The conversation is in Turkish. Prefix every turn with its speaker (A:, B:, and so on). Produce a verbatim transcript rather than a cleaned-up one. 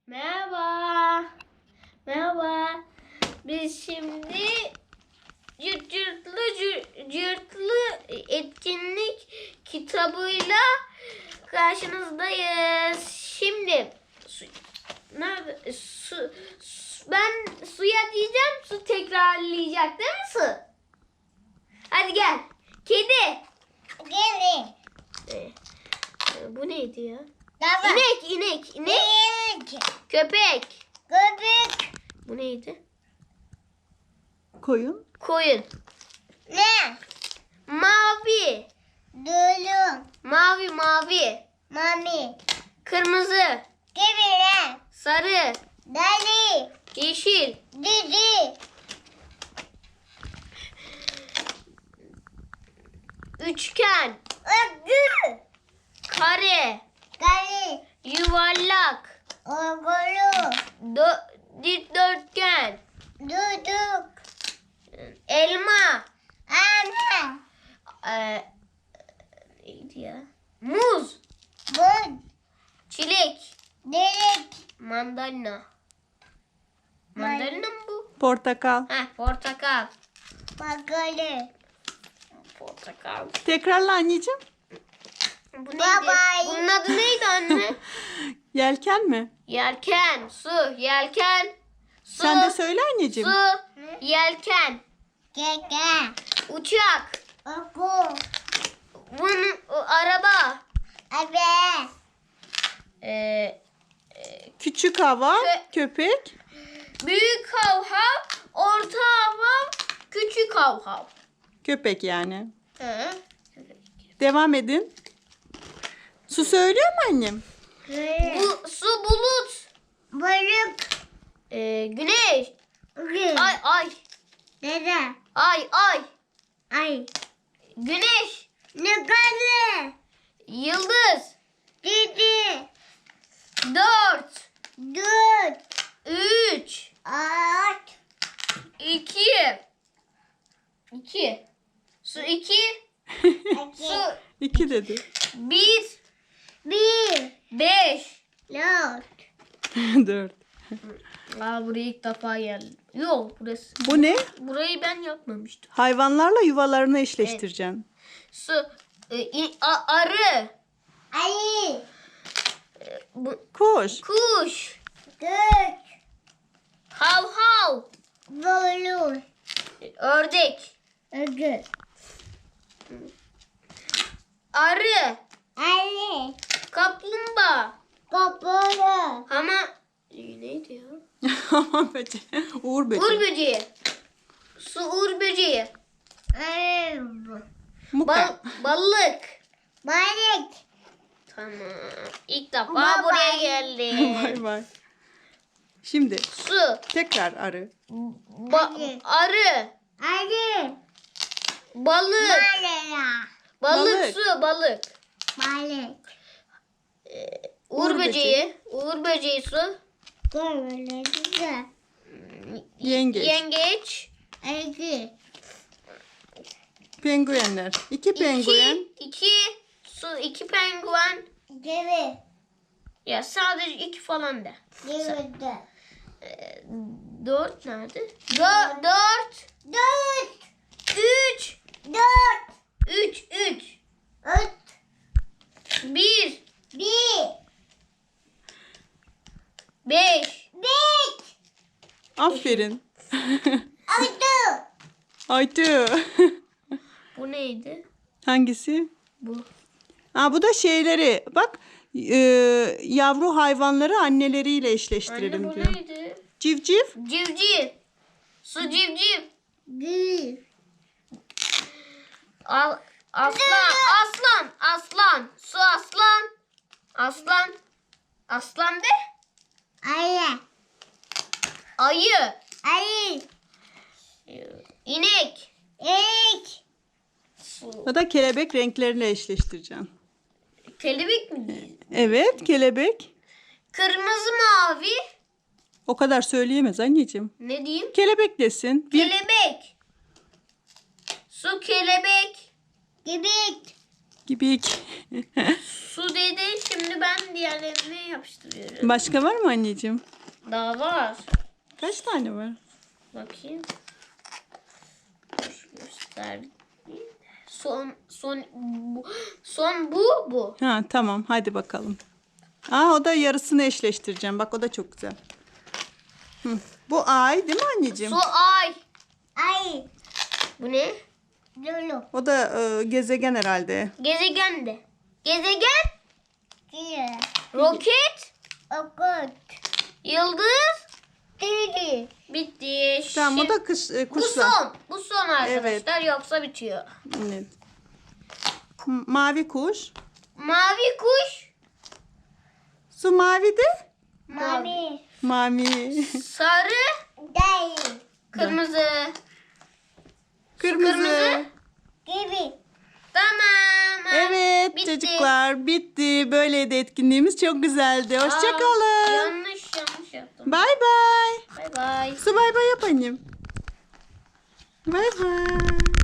A: Merhaba. Merhaba. Biz şimdi cırt cırtlı cırt cırtlı etkinlik kitabıyla karşınızdayız. Şimdi su, nerede? Su, su, ben suya diyeceğim, su tekrarlayacak değil mi su? Hadi gel. Kedi.
B: Kedi.
A: Ee, bu neydi ya?
B: Baba.
A: İnek, inek, inek.
B: İnek.
A: Köpek.
B: Köpek.
A: Bu neydi?
C: Koyun.
A: Koyun.
B: Ne?
A: Mavi.
B: Dulu.
A: Mavi, mavi.
B: Mami.
A: Kırmızı.
B: Kedi.
A: Sarı.
B: Dali.
A: Yeşil.
B: Didi.
A: Üçgen.
B: Ögü.
A: Kare.
B: Kali.
A: Yuvarlak.
B: Ogulu.
A: Dö dikdörtgen.
B: Duduk.
A: Elma.
B: Ana.
A: Ee, neydi ya? Muz.
B: Bud.
A: Çilek.
B: Delik.
A: Mandalina. Mandalina mı bu?
C: Portakal.
A: Heh, portakal.
B: Bakalım.
A: Portakal.
C: Tekrarla anneciğim.
A: Bu neydi?
B: Bye bye.
A: Bunun adı neydi anne?
C: Yelken mi?
A: Yelken, su, yelken, su,
C: Sen de söyle anneciğim.
A: su, yelken,
B: Keke.
A: uçak,
B: Oku.
A: bunun o, araba,
B: Abe.
A: ee,
C: Küçük hava,
A: Kö-
C: köpek.
A: büyük havhav, orta havhav, küçük havhav.
C: Köpek yani.
A: Hı.
C: Devam edin. Su söylüyor mu annem?
A: Bu su bulut,
B: Balık.
A: ee, güneş,
B: Gül.
A: ay ay,
B: Dede.
A: ay ay,
B: Ay.
A: güneş,
B: Yukarı.
A: yıldız,
B: Didi.
A: dört,
B: Dut.
A: üç,
B: At.
A: iki, iki, su iki, su
C: İki dedi.
A: bir,
B: Bir.
A: beş.
B: Dört.
C: Dört.
A: Aa, buraya ilk defa geldim. Yok, burası.
C: Bu ne?
A: Burayı ben yapmamıştım.
C: Hayvanlarla yuvalarını eşleştireceksin.
A: Su, e, i- a- arı,
B: Ayı.
A: e, bu,
C: Kuş.
A: kuş,
B: Dört.
A: hav hav,
B: Bolu.
A: e, ördek,
B: Ögü.
A: arı,
B: Ali.
A: kaplumbağa,
B: Kapalı.
A: ama e, neydi ya?
C: Aman böceği. Uğur böceği.
A: Uğur böceği, su uğur böceği,
B: Ev.
C: Muka.
A: bal, balık.
B: Balık.
A: Tamam. İlk defa
B: Bye
A: buraya
B: bye.
A: geldim.
C: Bay bay. Şimdi
A: Su,
C: tekrar arı.
A: ba- arı,
B: Ali.
A: balık,
B: Balığa.
A: balık,
C: Balık.
A: su, balık.
B: Balık.
A: Uğur,
C: Uğur
A: böceği, uğur böceği su.
B: Böyle güzel.
C: Yengeç.
A: Yengeç.
B: Ögü.
C: Penguenler. İki penguen.
A: İki, iki, su, iki penguen.
B: Gibi.
A: Ya sadece iki falan da.
B: Gibi.
A: Ee, dört nerede? Dört, dört,
B: Dört.
A: üç,
B: Dört.
A: üç, üç,
B: Üç.
A: bir,
B: Bir.
A: beş,
B: Beş.
C: Aferin.
B: Altı.
C: Aytu.
A: bu neydi?
C: Hangisi?
A: Bu.
C: Aa, bu da şeyleri. Bak e, yavru hayvanları anneleriyle eşleştirelim
A: Anne bu
C: diyor.
A: neydi?
C: Civciv.
A: Civciv. Su civciv.
B: Bir.
A: Al, aslan, aslan, aslan. Su aslan. Aslan. Aslan de.
B: Ayı.
A: Ayı.
B: Ayı.
A: İnek.
B: İlk.
A: Su.
C: O da kelebek renkleriyle eşleştireceksin.
A: Kelebek mi?
C: Evet, kelebek.
A: Kırmızı mavi.
C: O kadar söyleyemez anneciğim.
A: Ne diyeyim?
C: Kelebek desin. Bir,
A: Kelebek. Su kelebek.
B: Gibi.
C: Gibik.
A: Su dedi. Şimdi ben diğerlerini yapıştırıyorum.
C: Başka var mı anneciğim?
A: Daha var.
C: Kaç tane var?
A: Bakayım. Dur, göster. Son son bu, son bu bu.
C: Ha tamam hadi bakalım. Aa o da yarısını eşleştireceğim. Bak o da çok güzel. Hı. Bu ay değil mi anneciğim?
A: Su ay.
B: Ay.
A: Bu ne?
B: Lulu.
C: O da e, gezegen herhalde.
A: Gezegen de. Gezegen.
B: Diye.
A: Roket.
B: Okut.
A: Yıldız.
B: Dili.
A: Bitti.
C: Tamam bu
A: Şimdi-
C: da kış, e,
A: bu
C: kuşlar.
A: son. Bu son arkadaşlar. Yoksa bitiyor.
C: Evet. M- Mavi kuş.
A: Mavi kuş.
C: Su mavi de.
B: Mami.
C: Mavi.
A: Sarı.
B: Dayı.
A: Kırmızı.
C: Kırmızı.
A: Kırmızı.
B: Gibi.
A: Tamam.
C: Evet
A: Bitti.
C: çocuklar bitti. Böyleydi etkinliğimiz. Çok güzeldi.
A: Aa,
C: Hoşçakalın.
A: yanlış yanlış yaptım.
C: Bay bay.
A: Bay bay.
C: Su bay bay yap annem. Bay bay.